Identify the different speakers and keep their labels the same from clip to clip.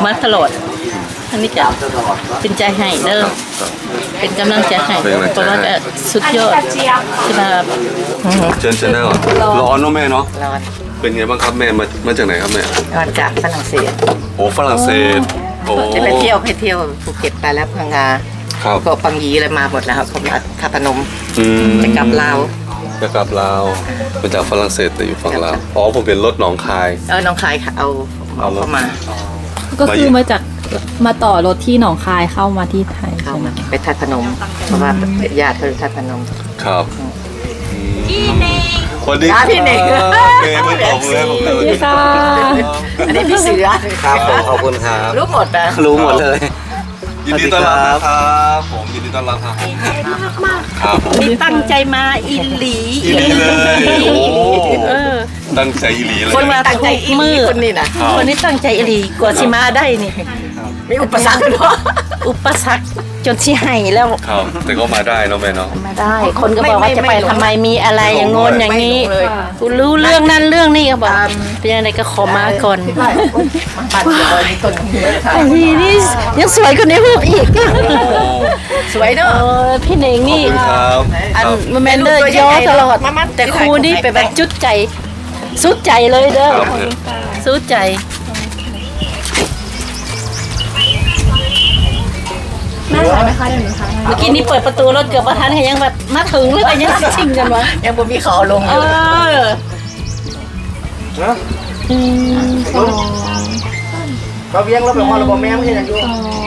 Speaker 1: มาตลอดอันนี้จะเป็นใจให้เด้อเป็นกำลังใจให้เพราะว่าสุดยอดที่มา
Speaker 2: เชิญได้ก่อนร้อนเนาะแม่เนาะ
Speaker 3: ร้อน
Speaker 2: เป็นไงบ้างครับแม่มาจากไหนครับแม่
Speaker 3: ร้อนจากฝรั่งเศส
Speaker 2: โอ้ฝรั่งเศสโอ้
Speaker 3: จะไปเที่ยวภูเก็ตไปแล้วพังงา
Speaker 2: ครับ
Speaker 3: พวกปังยีอะไรมาหมดแล้วครับผมทัพนมจะกลับลาว
Speaker 2: จะกลับลาวมาจากฝรั่งเศสแต่อยู่ฝั่งลาวอ๋อผมเป็นรถหนองคาย
Speaker 3: น้องคายเอาเข้ามา
Speaker 4: ก็คือมาต่อรถที่หนองคายเข้ามาที่ไทย
Speaker 3: เข้ามาไปทัพนมเพราะว่าญาติเขาทัพนม
Speaker 2: ครับสวัสดี
Speaker 3: พี่เน่ง
Speaker 2: เมย์ไม่ตอบเลยผมเลย
Speaker 4: ค่ะ
Speaker 3: อันนี้พี่เสือ
Speaker 5: ครับผมขอบคุณครับ
Speaker 3: รู้หมดนะ
Speaker 5: รู้หมดเลย
Speaker 2: ยินดีต้อนรับนะครับผมยินดีต้อนรับครับครับผม
Speaker 1: นี่ตั้งใจมาอินหลี
Speaker 2: อีหลีเลยโอ้ตั้งใจอีหลีเลย
Speaker 1: คนมาตั้งใจมือ
Speaker 3: คนนี้นะ
Speaker 1: คนนี้ตั้งใจอินหลีกว่าสิมาได้นี่
Speaker 3: มีอุปสรรคด้วย
Speaker 1: อุปสรรคจนสิให้แล้ว
Speaker 2: ครับแต่ก็มาได้เนาะแม่เนาะ
Speaker 1: มาได้ คนก็บอกว่าจะไปทำไมมีอะไรอย่างงนอย่างนี้กูรู้เรื่องนั้นเรื่องนี้ก็บอกเป็นยังไงก็ขอมาก่อน
Speaker 3: ปั่นเลยมีต้นนี้ค่ะ
Speaker 1: ไอ้นี่ยังสวยกว่าในรูปอีก
Speaker 3: สวยเนอะ
Speaker 1: พี่เน่ง
Speaker 2: ขอบ
Speaker 1: นี่
Speaker 2: คุณครับ
Speaker 1: อัน
Speaker 2: ครับ
Speaker 1: มันแมนเดอร์ย่อตลอดแต่ครูนี่ไปแบบจุดใจสุดใจเลยเด้อสุดใจเมื่อกี้นี่เปิดประตูรถเกือบประทันให้ยังแบบมาถึงแล้วก็ยังชิงกันวะ
Speaker 3: ยังบ่มีเขาลง
Speaker 1: เอ
Speaker 3: อยู่
Speaker 1: อ
Speaker 5: เราเวียงเราแบบว่าเราบอกแม่ไม่ใช่ยังอยู่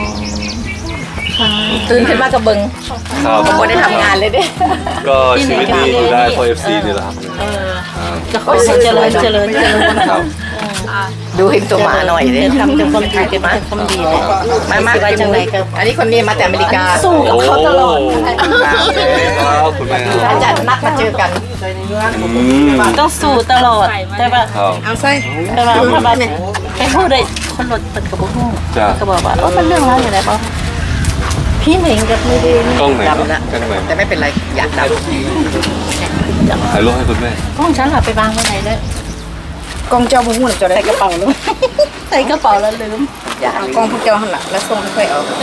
Speaker 3: ตื่นขึ้นมากับเบิง
Speaker 2: ครับ
Speaker 3: บ่ได้ทำงานเลยเด้
Speaker 2: ก็ชีวิตนี้อยู่ได้เพราะ FC นี่แหละครับ
Speaker 1: จะขอเจริญ
Speaker 2: ครับ
Speaker 3: ดูเห็นตัวหมาหน่อยเด้
Speaker 1: ทำแต่ความดีเป็นความดีเลย
Speaker 3: มาไว้จังไรครับอันนี้คนนี้มาแต่อเมริกา
Speaker 1: สู้กับเขาตลอด
Speaker 2: ครับคุณแม่ครับ
Speaker 3: อาจารย์นัดมาเจอกัน
Speaker 1: ต้องสู้ตลอดแต่ว่า
Speaker 2: ครับ
Speaker 3: เอาไส้
Speaker 1: แต่ว่าพระบาทเนี่ยไปพูดได้คนรถเป็นกระบอกหู
Speaker 2: จ้ะ
Speaker 1: ก็บอกว่ามันเรื่องอะไรอยู่ไหนบ้างพี่เหม่งกับมือดี
Speaker 2: กล้องไหนครับ
Speaker 3: ดำละ
Speaker 2: กล้องไหน
Speaker 3: แต่ไม่เป็นไรอยากด
Speaker 2: ถ่ายรูปให้คุณแม่
Speaker 1: กล้องฉันหลับไปวางไว้ไหนเลย
Speaker 3: ำกองเจ้าบุ้งจะได้
Speaker 1: ใส่กระเป๋าแล้วใส่กระเป๋าแล้วลืม
Speaker 3: อยากกองพวกเจ้าหันหลังแล้วส่งค่อยเอา
Speaker 1: 1 2 3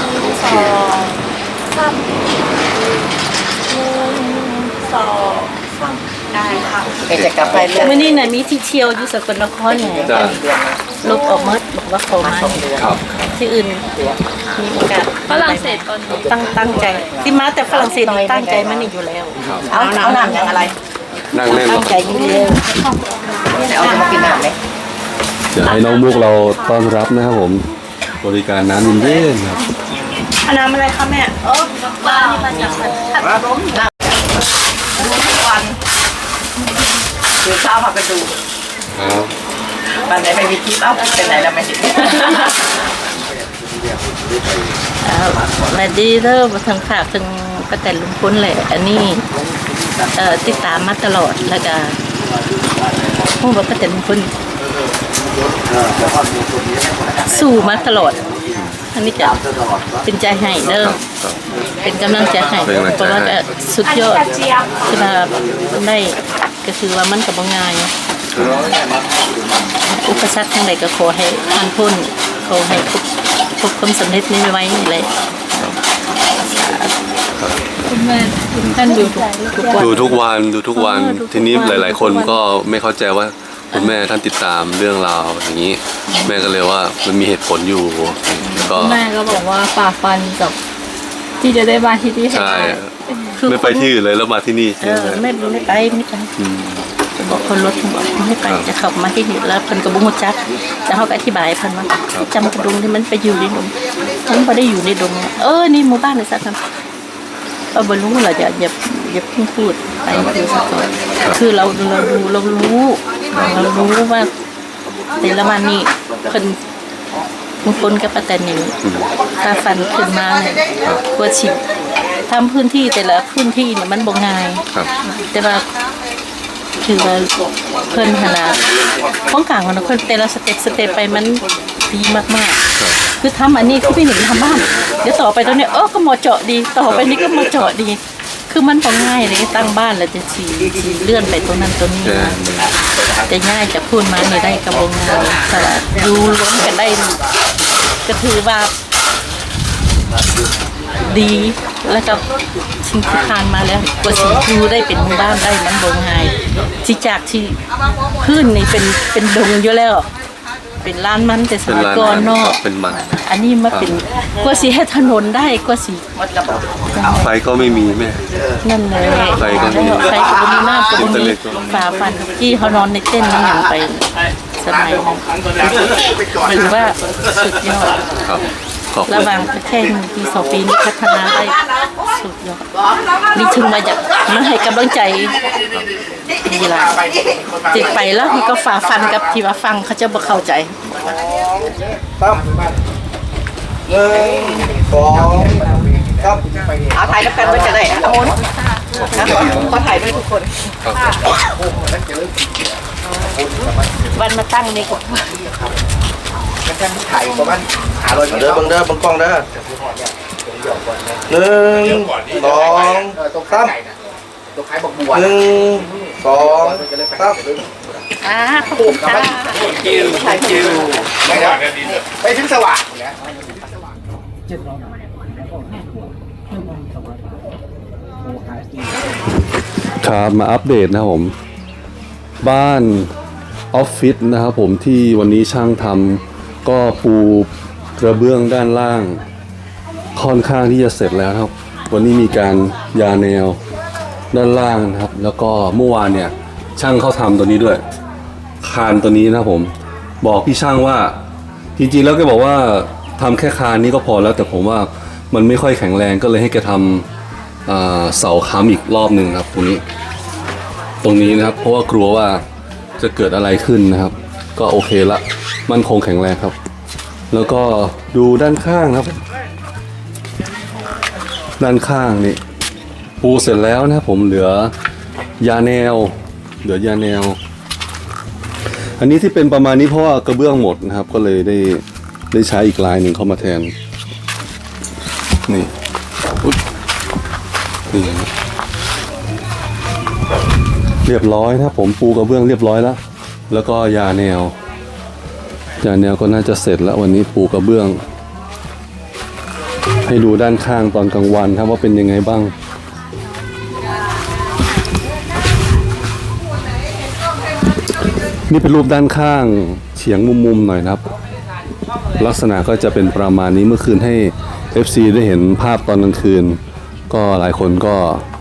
Speaker 1: ได้ค่ะ
Speaker 3: แกจะกลับไปเรื่อย
Speaker 1: มื่อนี้น่ะมีที่เที่ยวอยู่สกลนครไง
Speaker 2: จ้ะ
Speaker 1: ลบออกมาบอกว่าเขามา
Speaker 2: ครับ
Speaker 1: ที่อื่นมีโอกาส
Speaker 4: ฝรั่งเศสตอนนี้
Speaker 1: ตั้งใจที่มาแต่ฝรั่งเศสนี่ตั้งใจมันนี่อยู่แล้ว
Speaker 3: เอาน้ำอย่างอะไร
Speaker 2: นั่งเล่น
Speaker 1: ตั้งใจอยู่แล้ว
Speaker 3: จะเอาจะมากินน้ำไหม
Speaker 2: เดี๋ยวให้น้องมุกเราต้อนรับนะครับผมบริการน้ำเย็นๆครับ
Speaker 1: น้ำอะไรคะแม่ปลานี่มาจากผัดล้ม
Speaker 3: วันคือเช้ามาไปดู
Speaker 2: ครับ
Speaker 3: วันไหนไม่มีคลิปเอ้าเป็นไหนแล้วไม่เห็น
Speaker 1: มาดีเด้อมาทางฝากทางป้าแต่ลุงพ้นแหละอันนี้ติดตามมาตลอดแล้วก็พูดว่าป้าแต่ลุงพ้นสู้มาตลอดอันนี้จะเป็นใจให้เด้อเป็นกำลังใจให้เพราะว่าสุดยอดที่มาได้ก็คือว่ามันกับง่ายอุปสรรคทั้งหลายก็ขอให้ผ่านพ้นขอให้พบความสำเร็จนี้ไว้เลย
Speaker 4: คุณแม่ท่านดูทุกวัน
Speaker 2: ดูทุกวันทีนี้หลาย ๆ คนก็ไม่เข้าใจว่าคุณแม่ท่านติดตามเรื่องราวอย่างนี้ แม่ก็เลยว่ามันมีเหตุผลอยู่ก็
Speaker 4: แม่ก็บอกว่าฝ่าฟันกับที่จะได้มาที่นี่ให้
Speaker 2: ใช่
Speaker 4: ได้
Speaker 2: ไม่ไปที่อื่นเลยแล้วมาที่นี่ใช่ไหม
Speaker 1: ไม่ไปจะบอกคนรถไม่ไปจะขับมาที่นี่แล้วคนก็บุ้งจักจะเขาก็อธิบายพันว่าจำกระดุมที่มันไปอยู่ในดงฉันพอได้อยู่ในดงนี่หมู่บ้านเลยสักคำบรรลุเราอย่าเพิ่งพูดไปคือสักก่อนคือเรารู้ว่าแต่ละวันนี้คนบางคนกับป้าแตนนี่ถ้าฟันขึ้นมาเนี่ยกว่าฉิบทำพื้นที่แต่ละพื้นที่เนี่ยมันบ่ง่ายแต่ว่าคือว่าเพิ่นขนาดป้องกันของคนแต่ละสเต็ปไปมันดีมากๆคือทำอันนี้คือพี่หนิงทำบ้านเดี๋ยวต่อไปตรงนี้ก็มาเจาะดีต่อไปนี้ก็มาเจาะดีคือมันบ่ง่ายเลยตั้งบ้านแล้วจะสีเลื่อนไปตรงนั้นตรงนี้จะง่ายจะพูดมาเนี่ยได้กระบงงานแต่อยู่รวมกันได้ก็ถือว่าดีแล้วก็สิ่งที่ผ่านมาแล้วกว่าสิอยู่ได้เป็นหมู่บ้านได้มันบ่ง่ายที่จากที่พื้นนี่เป็นดงอยู่แล้ว เป็นลานมันแต่ส
Speaker 2: เป็น
Speaker 1: มัย
Speaker 2: ร้าน
Speaker 1: ก่อน
Speaker 2: มัน
Speaker 1: เนาะ
Speaker 2: ครับเป็นมัน
Speaker 1: อันนี้มาเป็นกว่าสิให้ถนนได้กว่าสิ
Speaker 2: ไฟก็ไม่มีแม่
Speaker 1: นั่นเลย
Speaker 2: ไฟก็มี
Speaker 1: ไฟก็บ่มีน้ำก็บ่
Speaker 2: อินเทอร์
Speaker 1: มี
Speaker 2: เน็ตก็
Speaker 1: ฝาฟันที่เขานอนในเต้นนี่อย่างไปสมัยนั้นถือว่าสุดยอด
Speaker 2: ครับขอบคุ
Speaker 1: ระ
Speaker 2: ณ
Speaker 1: หว่างแค่1 ปี 2 ปีนี้พัฒนาได้สุดยอดนี่ถึงมาจากมาให้กำลังใจดีละติดไปแล้วมันก็ฝ่าฟันกับที่ว่าฟังเขาจะบ่เข้าใจ
Speaker 5: ตั้ม1 2 3
Speaker 3: เอาถ่ายแล้วกันว่าจะได้โอนขอถ่ายด้วยทุกคน
Speaker 1: วันมาตั้งนี่ก็
Speaker 5: ถ่ายประมาณ500เด้อเบิ่งเด้อเบิ่งกล้องเด้อ1 2 3 1 2 3
Speaker 1: ขอบคุณค่ะ
Speaker 5: ไปถึงสว่าง
Speaker 2: ครับมาอัปเดตนะครับผมบ้านออฟฟิศนะครับผมที่วันนี้ช่างทำก็ปูกระเบื้องด้านล่างค่อนข้างที่จะเสร็จแล้วครับวันนี้มีการยาแนวด้านล่างนะครับแล้วก็เมื่อวานเนี่ยช่างเขาทำตัวนี้ด้วยคานตัวนี้นะครับผมบอกพี่ช่างว่าจริงๆแล้วแกบอกว่าทำแค่คานนี้ก็พอแล้วแต่ผมว่ามันไม่ค่อยแข็งแรงก็เลยให้แกทำเสาค้ำอีกรอบหนึ่งครับตรงนี้นะครับเพราะว่ากลัวว่าจะเกิดอะไรขึ้นนะครับก็โอเคละมันคงแข็งแรงครับแล้วก็ดูด้านข้างครับด้านข้างนี่ปูเสร็จแล้วนะครับผมเหลือยาแนวอันนี้ที่เป็นประมาณนี้เพราะว่ากระเบื้องหมดนะครับก็เลยได้ใช้อีกลายหนึ่งเข้ามาแทนนี่อุ๊ยนี่เรียบร้อยนะครับผมปูกระเบื้องเรียบร้อยแล้วก็ยาแนวก็น่าจะเสร็จแล้ววันนี้ปูกระเบื้องให้ดูด้านข้างตอนกลางวันครับว่าเป็นยังไงบ้างนี่เป็นรูปด้านข้างเฉียงมุมๆหน่อยนะครับลักษณะก็จะเป็นประมาณนี้เมื่อคืนให้ FC ได้เห็นภาพตอนกลางคืนก็หลายคนก็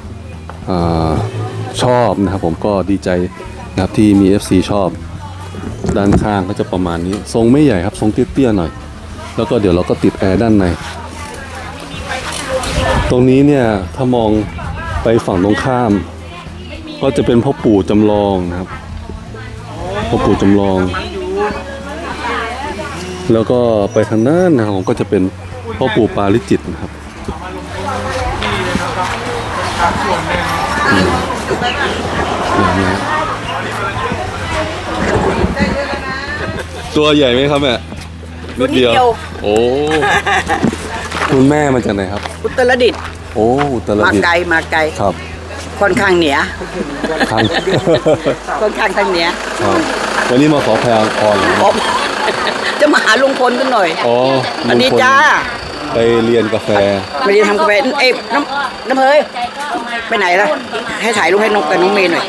Speaker 2: ชอบนะครับผมก็ดีใจนะครับที่มี FC ชอบด้านข้างก็จะประมาณนี้ทรงไม่ใหญ่ครับทรงเตี้ยๆหน่อยแล้วก็เดี๋ยวเราก็ติดแอร์ด้านในตรงนี้เนี่ยถ้ามองไปฝั่งตรงข้ามก็จะเป็นพ่อปู่จำลองนะครับพ่อปู่จำลองแล้วก็ไปทางนั้นนะครับก็จะเป็นพ่อปู่ปาริจิตนะครับตัวใหญ่ไหมครับแม่นิดเดียวโอ้คุณแม่มาจากไหนครับ
Speaker 3: อุตรดิตถ์
Speaker 2: โอ้อุตร
Speaker 3: มา
Speaker 2: ดิตถ์
Speaker 3: ไกล
Speaker 2: ครับ
Speaker 3: ค่อนข้างเหนือ
Speaker 2: ทาง
Speaker 3: ค่อนข้างทางเหนือ
Speaker 2: ครับวันนี้มาขอพรเหรอ
Speaker 3: ผมจะมาหาลุงพลกันหน่อย
Speaker 2: อ๋อ
Speaker 3: สวัสดี
Speaker 2: ลุงพล
Speaker 3: จ้า
Speaker 2: ไปเรียนกาแฟ
Speaker 3: ไม่ได้ทำกาแฟน้ำเพยไปไหนล่ะให้ถ่ายรูปให้นกกับน้องเมย์หน่อย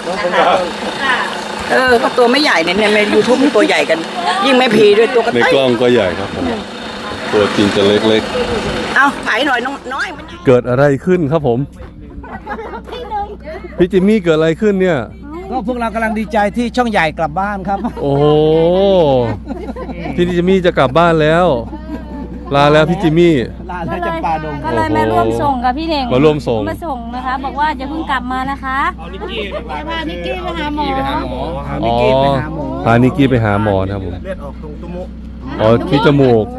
Speaker 3: ก็ตัวไม่ใหญ่เนี่ยใน YouTube ตัวใหญ่กัน ยิ่งแม่พีด้วยตัวกระ
Speaker 2: ใน
Speaker 3: ต่าย
Speaker 2: กล้องก็ใหญ่ครับผมตัวจริงจะเล็ก
Speaker 3: เอาถ่ายหน่อยน้อยมัน
Speaker 2: ๆ เกิดอะไรขึ้นครับผมพี่จิมมี่เกิดอะไรขึ้นเนี่ย
Speaker 5: ก็พวกเรากำลังดีใจที่ช่องใหญ่กลับบ้านครับ
Speaker 2: โอ้โหพี่จิมมี่จะกลับบ้านแล้ว ลาแล้วพี่จิมมี่
Speaker 5: ลาแล้วจะปลาดง
Speaker 6: ก็เลยมาร่วมส่งกับพี่เน่ง
Speaker 2: มาร่วมส่ง
Speaker 6: มาส่งนะคะ บอกว่าจะเพิ่งกลับมานะคะนิกกี้ไปหาหมอ
Speaker 2: อ๋อพานิกกี้ไปหาหมอนะครับผม
Speaker 5: เลือดออกตรงตุ้ม
Speaker 2: อ๋อที่จมูก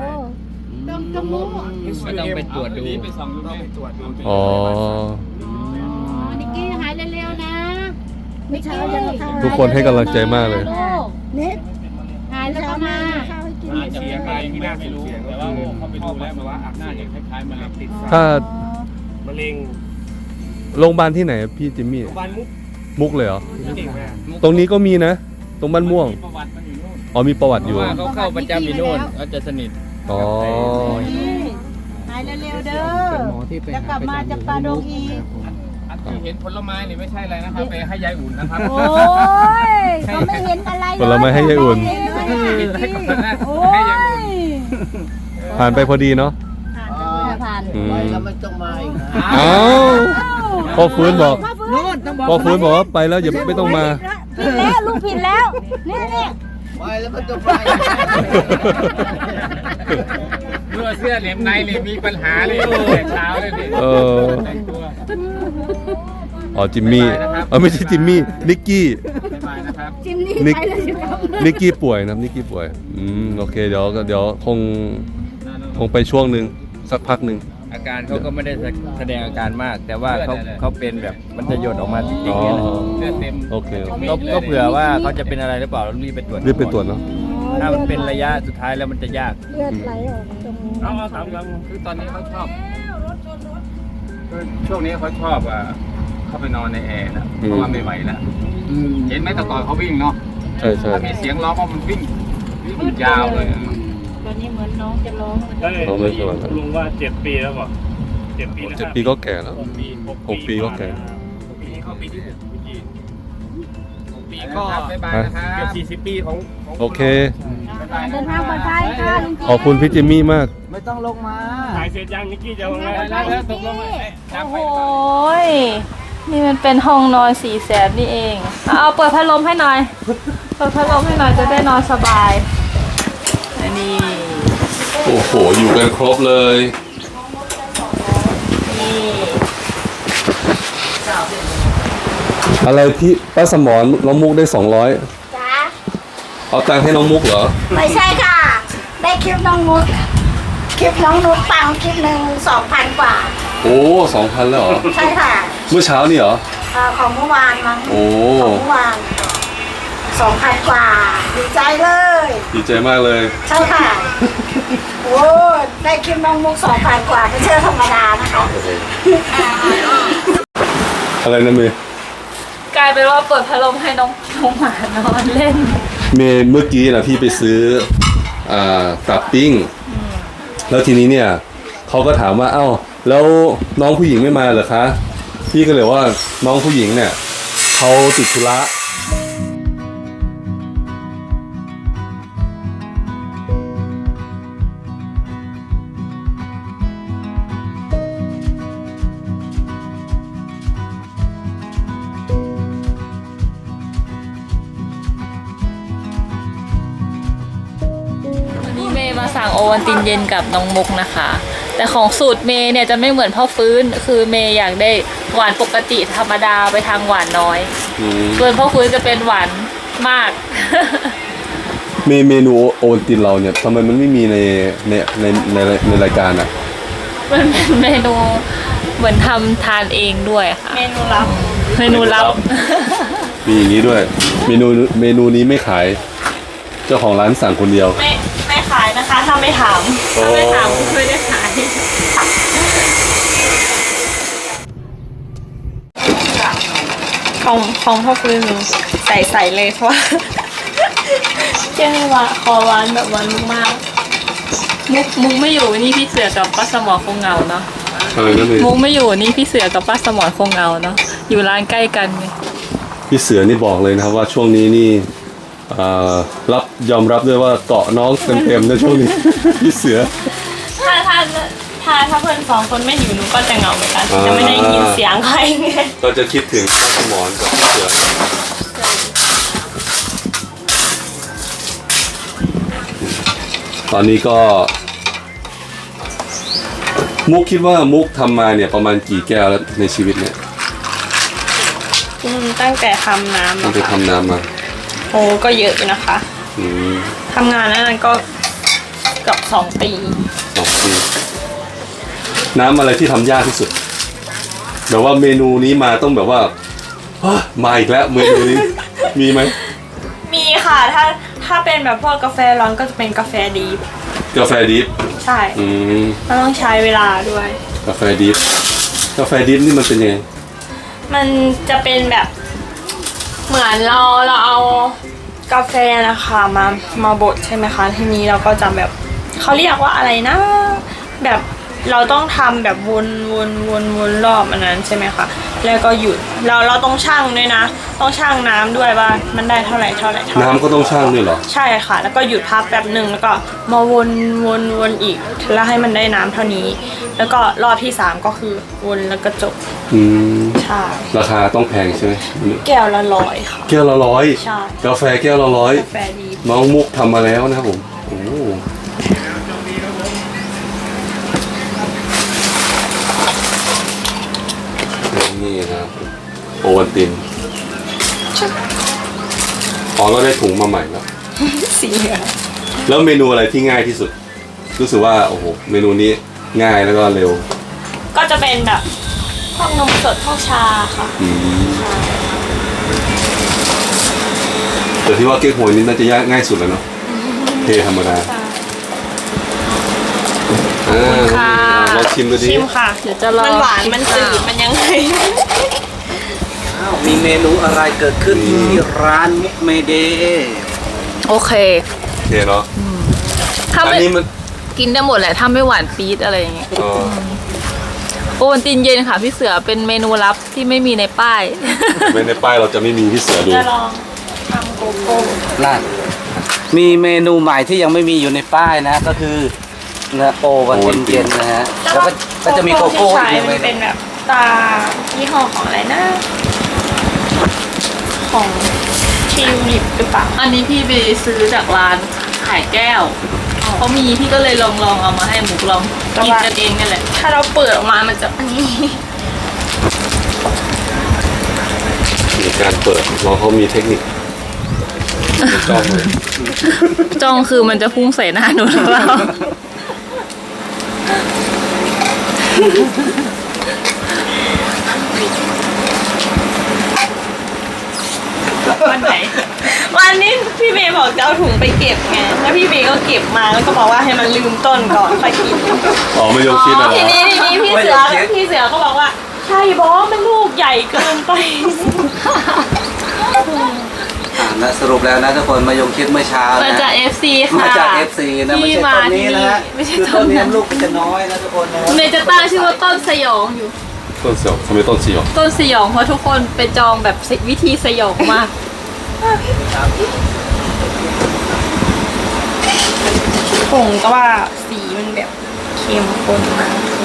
Speaker 7: ก็ต้องไปตรวจดู
Speaker 2: อ๋อ
Speaker 6: นิกกี้หายเร็วๆนะไม่ใช่ยัง
Speaker 2: ทุกคนให้กำลังใจมากเลย
Speaker 6: นิดหายแล้วก็มา
Speaker 7: อาจจะมีอะไรไม่น่าไม่รู้ แต่ว่าเขาไปดูแล้วมันว่าน่าจะคล้ายๆมะเร็งติด
Speaker 2: ถ้าม
Speaker 5: ะเร็ง
Speaker 2: โรงพยาบาลที่ไหนพี่จิมมี่
Speaker 5: บ้านมุก
Speaker 2: มุกเลยเหรอ
Speaker 5: เก่งแม่
Speaker 2: ตรงนี้ก็มีนะ ตรงบ้านม่วง
Speaker 7: ประวัติมันอยู่นู่น
Speaker 2: อ๋อมีประวัติ
Speaker 7: เพ
Speaker 2: อยู่
Speaker 7: ราะว่าเขาเข้าประจำอยู่นู่นเขาจะสนิท
Speaker 2: ออ๋อ
Speaker 6: หายเร็วๆเด้อจะกลับมาจะปลาดงอีก
Speaker 7: อันที่เห็นผลไม้นี่ไม่ใช่อะไรนะครับไปให้ยายอุ่นนะครับ
Speaker 6: โอ้ยเขาไม่เห็นอะไรเลย
Speaker 2: ผลไม้ให้ยายอุ่น
Speaker 6: โอ้ย
Speaker 2: ผ่านไปพอดีเนาะ
Speaker 6: ผ่าน
Speaker 2: อืม
Speaker 5: แล้วไม่ต้องมาอีกนะ
Speaker 2: อ้าวพ่อฟื้นบอกพ่อฟื้นบอกว่าไปแล้วอย่าไม่ต้องมา
Speaker 6: ผิดแล้วลูกผิดแล้วนี่
Speaker 5: ไปแล้วไม่ต้องมา
Speaker 7: เมื่อเสื้อเหลี่ยมในเลยมีปัญหาเลยแต่เช้าเลยนี่
Speaker 2: เอออ๋อจิมมี่ไม่ใช่จิมมี่นิกกี้
Speaker 7: บ๊ายบายนะครับ
Speaker 6: จิมนี่
Speaker 2: นิก
Speaker 6: ไปเลยสิครับ
Speaker 2: นิกกี้ป่วยนะนิกกี้ป่วยโอเคเดี๋ยวคงไปช่วงหนึ่งสักพักหนึ่ง
Speaker 8: อาการเขาก็ไม่ได้แสดงอาการมาก แต่ว่าเขาเป็นแบบมันจะหยดออกมาจริงๆเนี่ยนะ
Speaker 7: เสื้อเต็ม
Speaker 2: โอเค
Speaker 8: ก็เผื่อว่าเขาจะเป็นอะไรหรือเปล่าเรารีบไปตรวจ
Speaker 2: รีบไปตรวจเนาะ
Speaker 8: ถ้ามันเป็นระยะสุดท้ายแล้วมันจะยาก
Speaker 6: เลือดไหลออกตรงนี้
Speaker 7: เอาถามกันคือตอนนี้เขาชอบคือช่วงนี้เขาชอบเข้าไปนอนในแอร์นะเพราะว่าไม่ไหวแล้วเห็นไหมแต่ก่อนเขาวิ่งเนาะ
Speaker 2: ใช่ใช่
Speaker 7: ถ้ามีเสียงร้องว่ามันวิ่งยาวเลย
Speaker 6: ตอนนี้เหมือนน้องจะร้อง
Speaker 2: เขาไม่สวย
Speaker 9: ลุงว่า7 ปีแล้วป่ะ7 ปีนะ
Speaker 2: 7 ปีก็แก่แล้ว 6 ปีก็แก่
Speaker 7: ปีนี้เข้าปีที่6ปีก็บ๊ายบายนะครับ
Speaker 9: เกือบ40 ปีของ
Speaker 2: โอเค
Speaker 6: เดินทางปลอดภัยค่ะลุง
Speaker 2: ขอบคุณพี่จิมมี่มาก
Speaker 5: ไม่ต้องลงมา
Speaker 9: ถ่ายเสร็จยังนิกกี้จะลง
Speaker 7: แล้วตกลง
Speaker 4: โอ้ยนี่มันเป็นห้องนอน400,000นี่เองเอาเปิดพัดลมให้หน่อย เปิดพัดลมให้หน่อยจะได้นอนสบายอันนี้
Speaker 2: โอ้โห อยู่กันครบเลย อะไรที่ป้าสมรน้องมุกได้200
Speaker 6: จ้า
Speaker 2: เอาตังค์ให้น้องมุกเหรอ
Speaker 6: ไม่ใช่ค่ะ ได้คลิปน้องนุชคลิปน้องนุชปังคลิปหนึ่ง2,000 กว่า
Speaker 2: โอ้ 2,000 แล้วเหรอ
Speaker 6: ใช่ค่ะ
Speaker 2: เมื่อเช้านี่เหรอ
Speaker 6: ของเมื่อวานมั้ง
Speaker 2: โอ้
Speaker 6: ของเมื่อวาน2,000 กว่า ดีใจเลย
Speaker 2: ดีใจมากเลย
Speaker 6: ใช่ค่ะ โอ้ได้คลิปน้องมุก2,000 กว่าไม่ใช่ธรรมดานะคะ
Speaker 2: อะไรนะเมย์
Speaker 4: กลายเป็นว่าเปิดพัดลมให้น้องหมานอนเล่น
Speaker 2: เมย์เมื่อกี้นะพี่ไปซื้อตับปิ้ง แล้วทีนี้เนี่ยเขาก็ถามว่าเอ้าแล้วน้องผู้หญิงไม่มาเหรอคะ พี่ก็เลยว่าน้องผู้หญิงเนี่ยเขาติดธุระ
Speaker 4: วันนี้เมย์มาสั่งโอวัลตินเย็นกับน้องมุกนะคะ แต่ของสูตรเมย์เนี่ยจะไม่เหมือนพ่อฟื้น คือเมย์อยากได้หวานปกติธรรมดาไปทางหวานน้อย ส่วนพ่อฟื้นจะเป็นหวานมาก
Speaker 2: เมนูโอวัลตินเราเนี่ยทำไมมันไม่มีในรายการอ่ะ
Speaker 4: มันเป็นเมนูเหมือนทำทานเองด้วยค่ะ เมนูลับ เมนูลับ
Speaker 2: มีอย่างนี้ด้วย เมนูนี้ไม่ขาย เจ้าของร้านสั่งคนเดียว
Speaker 4: ไม่ขายนะคะถ้าไม่ถาม ถ้าไม่ถามไม่ได้ขาย ของพ่อฟื้นใส่เลยเพราะว่าเจ้าว่าคอหวานแบบหวานมากมุกไม่อยู่นี่พี่เสือกับป้าสมอคงเหงาเนาะ
Speaker 2: อะไรนะเมย์
Speaker 4: มุกไม่อยู่นี่พี่เสือกับป้าสมอคงเหงาเนาะอยู่ร้านใกล้กันไง
Speaker 2: พี่เสือนี่บอกเลยนะครับว่าช่วงนี้นี่ยอมรับด้วยว่าเกาะน้องเต็มๆในช่วงนี้ พี่เสือ
Speaker 4: ถ้าเพื่อน2 คนไม่อยู่หนูก็จะเหงาเหมือนกันจะไม่ได้ยินเสียงใครไง
Speaker 2: ก็จะคิดถึงป้าสมรกับพี่เสือตอนนี้ก็มุกคิดว่ามุกทำมาเนี่ยประมาณกี่แก้วแล้วในชีวิตเนี่ย
Speaker 1: ตั้งแต่ทำน้ำ
Speaker 2: ตั้งแต่ทำน้ำมา
Speaker 1: โอ้ก็เยอะอยู่นะคะ
Speaker 2: อืม
Speaker 1: ทำงานนั้นก็เกือบ2 ปี
Speaker 2: 2 ปีน้ำอะไรที่ทำยากที่สุดแบบว่าเมนูนี้มาต้องแบบว่าเฮ้ยมาอีกแล้วเมนูนี้ มีไหม
Speaker 1: มีค่ะถ้าเป็นแบบพวกกาแฟร้อนก็จะเป็นกาแฟดีฟ
Speaker 2: กาแฟดิฟ
Speaker 1: ใช่
Speaker 2: อืม
Speaker 1: มันต้องใช้เวลาด้วย
Speaker 2: กาแฟดิฟนี่มันเป็นยังไง
Speaker 1: มันจะเป็นแบบเหมือนเราเอากาแฟนะคะมาบดใช่ไหมคะทีนี้เราก็จะแบบ
Speaker 10: เขาเรียกว่าอะไรนะ แบบเราต้องทำแบบวนรอบอันนั้นใช่ไหมคะแล้วก็หยุดเราต้องชั่งด้วยนะ ต้องชั่งน้ำด้วยว่ามันได้เท่าไหร่
Speaker 2: น้ำก็ต้องชั่งด้วยเหรอ
Speaker 10: ใช่ค่ะ แล้วก็หยุดพักแบบหนึ่งแล้วก็มาวนอีกแล้วให้มันได้น้ำเท่านี้ แล้วก็รอบที่3ก็คือวนแล้วก็จบใช่
Speaker 2: ราคาต้องแพงใช่ไหม
Speaker 10: แก้วละ100ค่ะ
Speaker 2: แก้วละ100
Speaker 10: ใช่
Speaker 2: กาแฟแก้วละ100
Speaker 10: กาแฟดี
Speaker 2: น้องมุกทำมาแล้วนะครับผมโอ้นี่นะครับโอวัลตินอ๋อเราได้ถุงมาใหม่แล้ว
Speaker 10: สีเหลือง
Speaker 2: แล้วเมนูอะไรที่ง่ายที่สุด รู้สึกว่าโอ้โหเมนูนี้ง่ายแล้วก็เร็ว
Speaker 10: ก็จะเป็นแบบพวกนมสดพวกชาค่ะ
Speaker 2: แต่ที่ว่าเก๊กฮวยนี่น่าจะยากง่ายสุดแล้วเนาะเทธรรมดาเราชิมดูดิ
Speaker 10: ชิมค่ะ
Speaker 4: เดี๋ยวจะลอง
Speaker 10: มันหวานมันจืดมันยังไง
Speaker 5: มีเมนูอะไรเกิดขึ้นที่ร้านมุกเมเด
Speaker 4: โอเค
Speaker 2: โอเคเนาะ
Speaker 4: ถ้า
Speaker 2: อัน
Speaker 4: ไม่
Speaker 2: นี้มัน
Speaker 4: กินได้หมดแหละถ้าไม่หวานปี๊ดอะไรอย่างเงี้ย
Speaker 2: อ๋อ
Speaker 4: โอวัลตินเย็นค่ะพี่เสือเป็นเมนูลับที่ไม่มีในป้าย
Speaker 2: ไม่ในป้ายเราจะไม่มีพี่เสือดู
Speaker 10: จะลองทำโกโก้
Speaker 5: นั่นมีเมนูใหม่ที่ยังไม่มีอยู่ในป้ายนะก็คือโอวันตินเย็นนะฮะแล้วก็จะมีโกโก้
Speaker 10: ที่
Speaker 5: อี
Speaker 10: ใช้
Speaker 5: ก
Speaker 10: มั
Speaker 5: เล
Speaker 10: น
Speaker 5: ย
Speaker 10: เป็นแบบตายี่ห้อของอะไรนะ ของทิวลิปหรือเปล่า
Speaker 4: อันนี้พี่ไปซื้อจากร้านขายแก้วเขามีพี่ก็เลยลองเอามาให้หมูลองกินกันเองนั่นแหละ
Speaker 10: ถ้าเราเปิดออกมามันจะอันนี้
Speaker 2: ในการเปิดเราเขามีเทคนิคจ้องเลย
Speaker 4: จ้องคือมันจะพุ่งใส่หน้าหนูหรือเปล่า
Speaker 10: วันไหน วันนี้พี่เมย์บอกจะเอาถุงไปเก็บไงแล้วพี่เมย์ก็เก็บมาแล้วก็บอกว่าให้มันลืมต้นก่อนค่อยกิน
Speaker 2: อ๋อไม่ยกคิดนะ
Speaker 10: ทีนี้พี่เสือก็บอกว่าใช่บอสมันลูกใหญ่เกินไป
Speaker 5: นะสรุปแล้วนะทุกคนมายงคิดเมื่อเช้านะ
Speaker 4: มาจาก FC ค่ะ
Speaker 5: มาจาก FC นะไม่ใช่ต้นนี้นะฮะ
Speaker 4: ไม่ใช่
Speaker 5: คือ
Speaker 4: ต้
Speaker 5: ต้
Speaker 4: น
Speaker 5: นนี้
Speaker 4: นั้น
Speaker 5: ลูกมันจะน้อยนะทุกคนนะ
Speaker 4: เมย์จะตั้งชื่อว่าต้นสยองอยู่
Speaker 2: ต้นเสียวทำไมต้นเสียว
Speaker 4: ต้นสยองเพราะทุกคนไปจองแบบวิธีสยองมาก
Speaker 10: ผงก็ว่าสีมันแบบเข้มข้นมาก